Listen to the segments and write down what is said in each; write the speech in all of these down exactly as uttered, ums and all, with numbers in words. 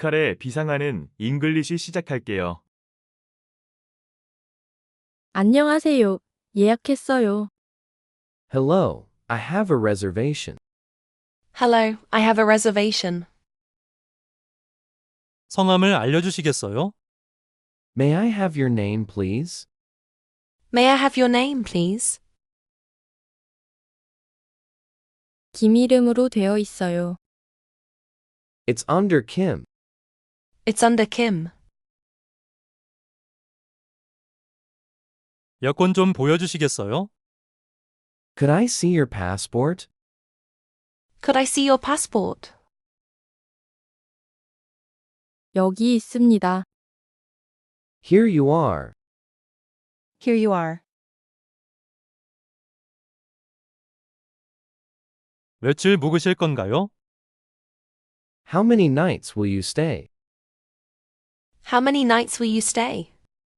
뮤지컬의 비상하는 잉글리시 시작할게요. 안녕하세요. 예약했어요. Hello, I have a reservation. Hello, I have a reservation. 성함을 알려주시겠어요? May I have your name, please? May I have your name, please? 김 이름으로 되어 있어요. It's under Kim. It's under Kim. 여권 좀 보여주시겠어요? Could I see your passport? Could I see your passport? 여기 있습니다. Here you are. Here you are. 며칠 묵으실 건가요? How many nights will you stay? How many nights will you stay?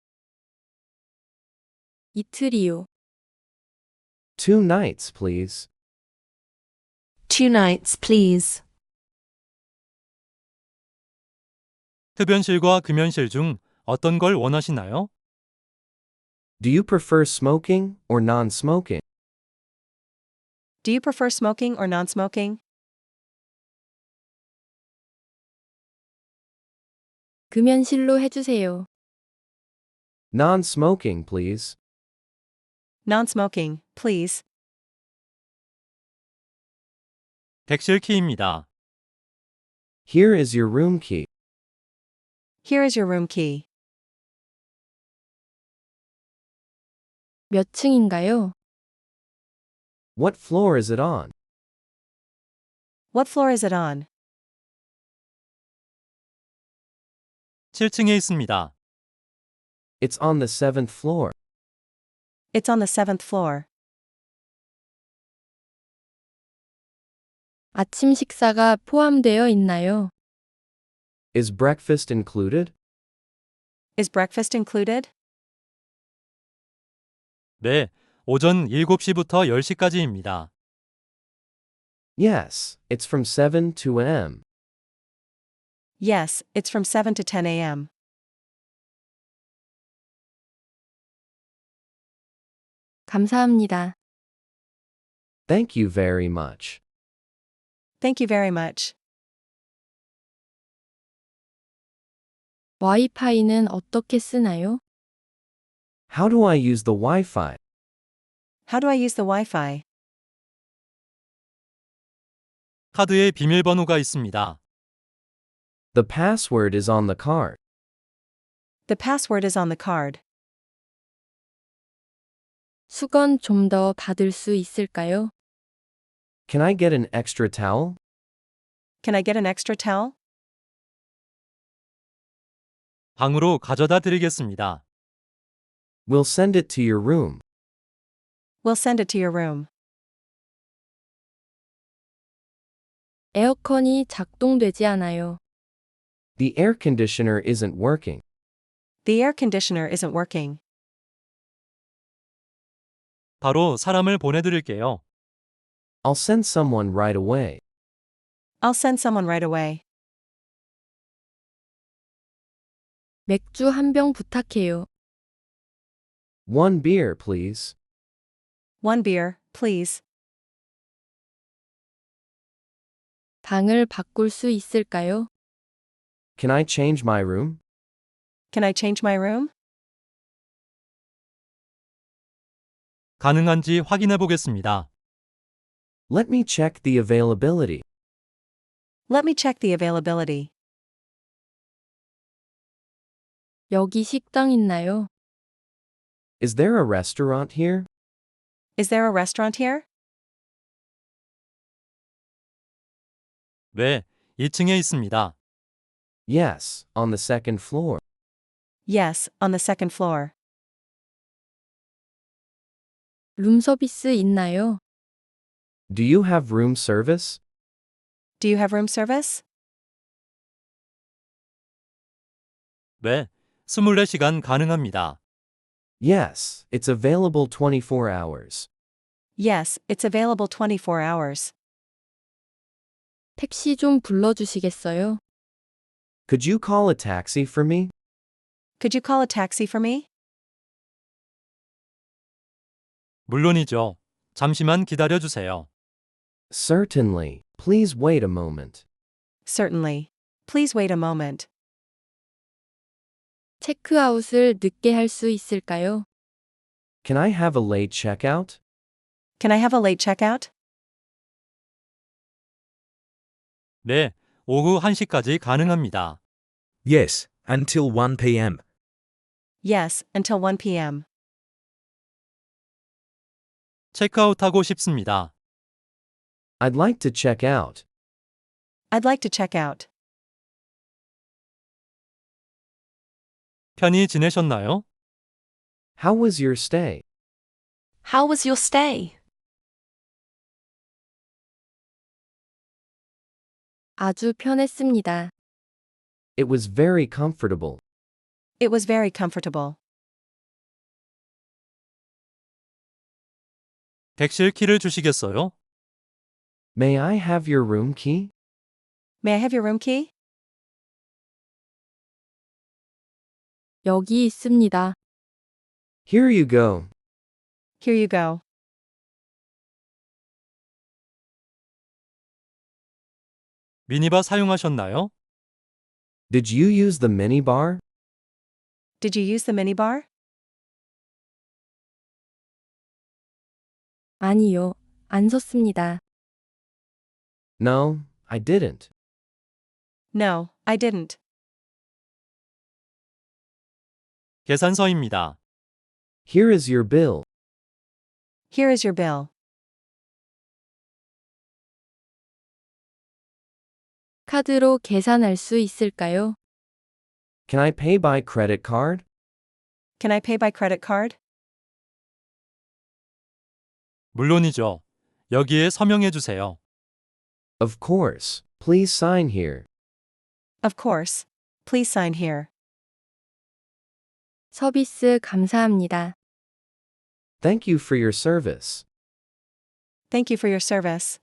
이틀이요. Two nights, please. Two nights, please. 흡연실과 금연실 중 어떤 걸 원하시나요? Do you prefer smoking or non-smoking? Do you prefer smoking or non-smoking? 금연실로 해주세요. Non-smoking, please. Non-smoking, please. 객실 키입니다. Here is your room key. Here is your room key. 몇 층인가요? What floor is it on? What floor is it on? 칠 층에 있습니다. It's on the seventh floor. It's on the seventh floor. 아침 식사가 포함되어 있나요? Is breakfast included? Is breakfast included? 네, 오전 일곱 시부터 열 시까지입니다. Yes, it's from seven to m. Yes, it's from seven to ten a.m. 감사합니다. Thank you very much. Thank you very much. 와이파이는 어떻게 쓰나요? How do I use the Wi-Fi? How do I use the Wi-Fi? 카드에 비밀번호가 있습니다. The password is on the card. The password is on the card. 수건 좀 더 받을 수 있을까요? Can I get an extra towel? Can I get an extra towel? 방으로 가져다 드리겠습니다. We'll send it to your room. We'll send it to your room. 에어컨이 작동되지 않아요. The air conditioner isn't working. The air conditioner isn't working. 바로 사람을 보내드릴게요. I'll send someone right away. I'll send someone right away. 맥주 한 병 부탁해요. One beer, please. One beer, please. 방을 바꿀 수 있을까요? Can I change my room? Can I change my room? 가능한지 확인해 보겠습니다. Let me check the availability. Let me check the availability. 여기 식당 있나요? Is there a restaurant here? Is there a restaurant here? 네, 이 층에 있습니다. Yes, on the second floor. Yes, on the second floor. 룸서비스 있나요? Do you have room service? Do you have room service? 네, 이십사 시간 가능합니다. Yes, it's available twenty-four hours. Yes, it's available twenty-four hours. 택시 좀 불러주시겠어요? Could you call a taxi for me? Could you call a taxi for me? 물론이죠. 잠시만 기다려 주세요. Certainly. Please wait a moment. Certainly. Please wait a moment. 체크아웃을 늦게 할 수 있을까요? Can I have a late checkout? Can I have a late checkout? 네, 오후 한 시까지 가능합니다. Yes, until one p.m. Yes, until one p.m. 체크아웃하고 싶습니다. I'd like to check out. I'd like to check out. 편히 지내셨나요? How was your stay? How was your stay? 아주 편했습니다. It was very comfortable. It was very comfortable. 객실 키를 주시겠어요? May I have your room key? May I have your room key? 여기 있습니다. Here you go. Here you go. 미니바 사용하셨나요? Did you use the minibar? Did you use the minibar? 아니요, 안 섰습니다. No, I didn't. No, I didn't. 계산서입니다. Here is your bill. Here is your bill. 카드로 계산할 수 있을까요? Can I pay by credit card? Can I pay by credit card? 물론이죠. 여기에 서명해 주세요. Of course. Please sign here. Of course. Please sign here. 서비스 감사합니다. Thank you for your service. Thank you for your service.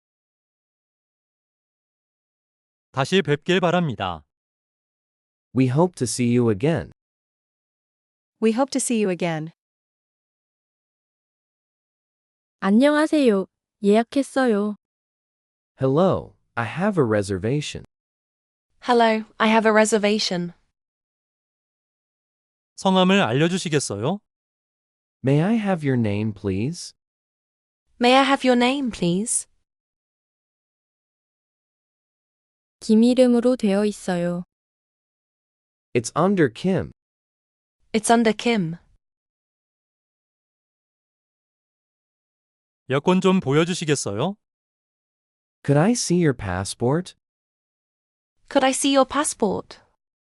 다시 뵙길 바랍니다. We hope to see you again. We hope to see you again. 안녕하세요. 예약했어요. Hello, I have a reservation. Hello, I have a reservation. 성함을 알려주시겠어요? May I have your name, please? May I have your name, please? 김 이름으로 되어 있어요. It's under Kim. It's under Kim. 여권 좀 보여주시겠어요? Could I see your passport? Could I see your passport?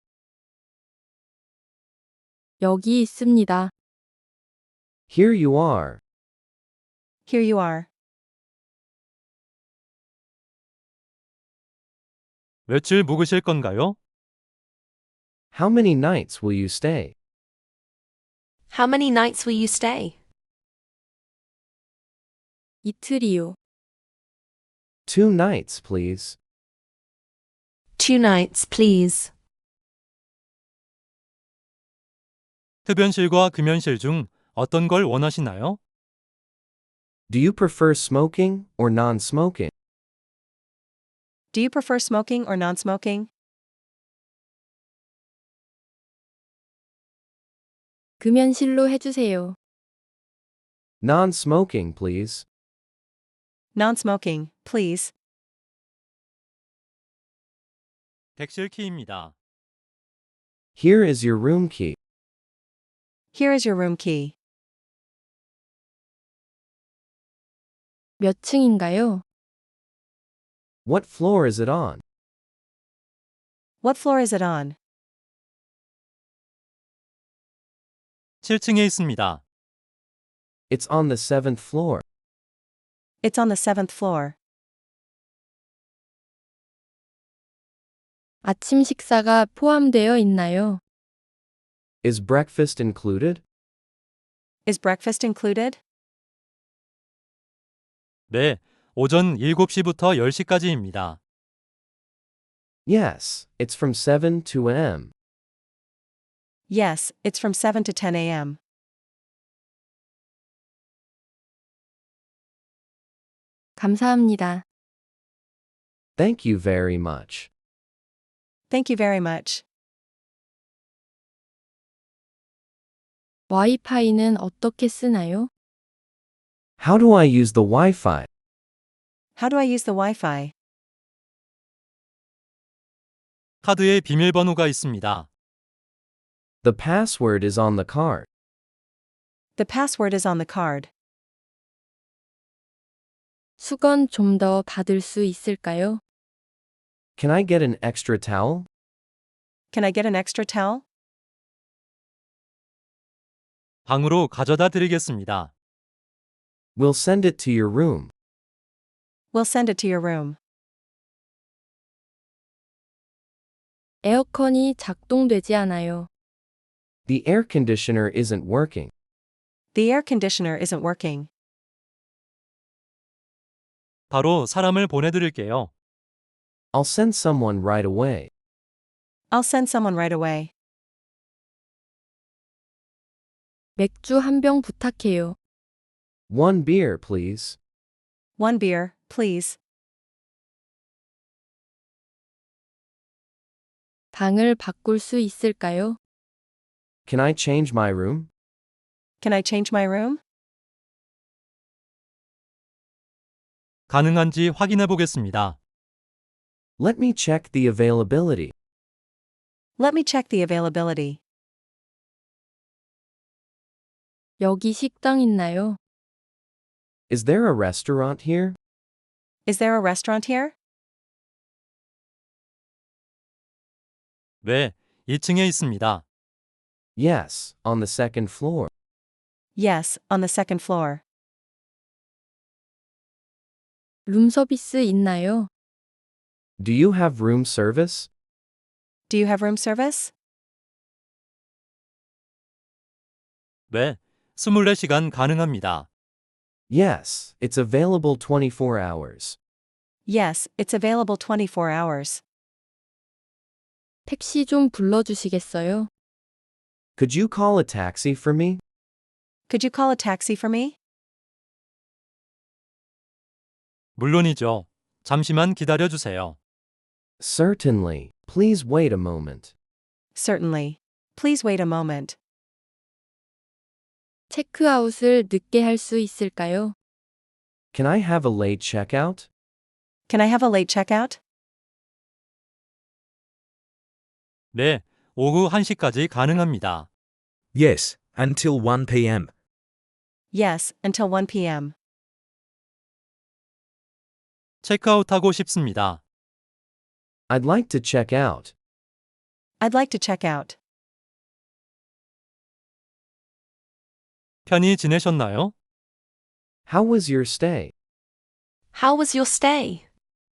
여기 있습니다. Here you are. Here you are. 며칠 묵으실 건가요? How many nights will you stay? How many nights will you stay? 이틀이요. Two nights, please. Two nights, please. 흡연실과 금연실 중 어떤 걸 원하시나요? Do you prefer smoking or non-smoking? Do you prefer smoking or non-smoking? 금연실로 해주세요. Non-smoking, please. Non-smoking, please. 객실 키입니다. Here is your room key. Here is your room key. 몇 층인가요? What floor is it on? What floor is it on? 칠 층에 있습니다. It's on the seventh floor. It's on the seventh floor. 아침 식사가 포함되어 있나요? Is breakfast included? Is breakfast included? 네, 오전 일곱 시부터 열 시까지입니다. Yes, it's from seven to m. Yes, it's from seven to ten a m. 감사합니다. Thank you very much. Thank you very much. 와이파이는 어떻게 쓰나요? How do I use the Wi-Fi? How do I use the Wi-Fi? 카드에 비밀번호가 있습니다. The password is on the card. The password is on the card. 수건 좀 더 받을 수 있을까요? Can I get an extra towel? Can I get an extra towel? 방으로 가져다 드리겠습니다. We'll send it to your room. We'll send it to your room. 에어컨이 작동되지 않아요. The air conditioner isn't working. The air conditioner isn't working. 바로 사람을 보내드릴게요. I'll send someone right away. I'll send someone right away. 맥주 한 병 부탁해요. One beer, please. One beer, please. 방을 바꿀 수 있을까요? Can I change my room? Can I change my room? 가능한지 확인해 보겠습니다. Let me check the availability. Let me check the availability. 여기 식당 있나요? Is there a restaurant here? Is there a restaurant here? 네, 이 층에 있습니다. Yes, on the second floor. Yes, on the second floor. 룸서비스 있나요? Do you have room service? Do you have room service? 네, 이십사 시간 가능합니다. Yes, it's available twenty-four hours. Yes, it's available twenty-four hours. 택시 좀 불러주시겠어요? Could you call a taxi for me? Could you call a taxi for me? 물론이죠. 잠시만 기다려 주세요. Certainly. Please wait a moment. Certainly. Please wait a moment. 체크아웃을 늦게 할 수 있을까요? Can I have a late checkout? Can I have a late checkout? 네, 오후 한 시까지 가능합니다. Yes, until one p m. Yes, until one p m. 체크아웃하고 싶습니다. I'd like to check out. I'd like to check out. 편히 지내셨나요? How was your stay? How was your stay?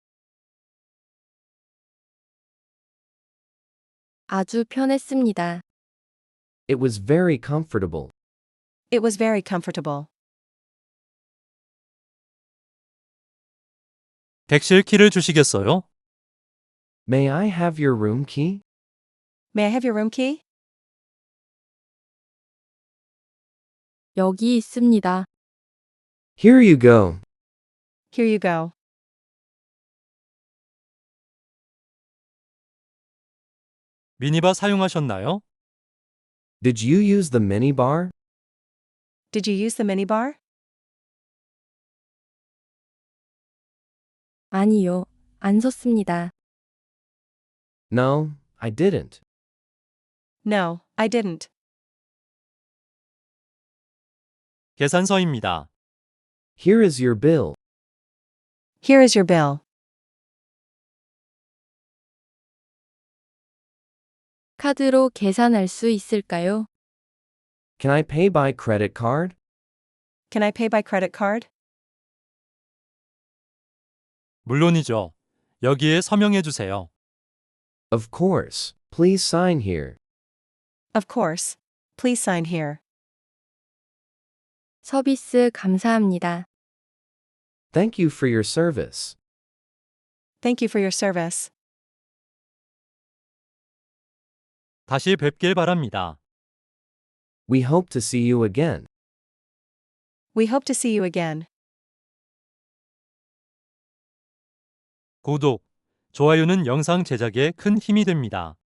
아주 편했습니다. It was very comfortable. It was very comfortable. 객실 키를 주시겠어요? May I have your room key? May I have your room key? 여기 있습니다. Here you go. Here you go. 미니바 사용하셨나요? Did you use the minibar? Did you use the minibar? 아니요, 안 섰습니다. No, I didn't. No, I didn't. 계산서입니다. Here is your bill. Here is your bill. 카드로 계산할 수 있을까요? Can I pay by credit card? Can I pay by credit card? 물론이죠. 여기에 서명해 주세요. Of course. Please sign here. Of course. Please sign here. 서비스 감사합니다. Thank you for your service. Thank you for your service. 다시 뵙길 바랍니다. We hope to see you again. We hope to see you again. 구독, 좋아요는 영상 제작에 큰 힘이 됩니다.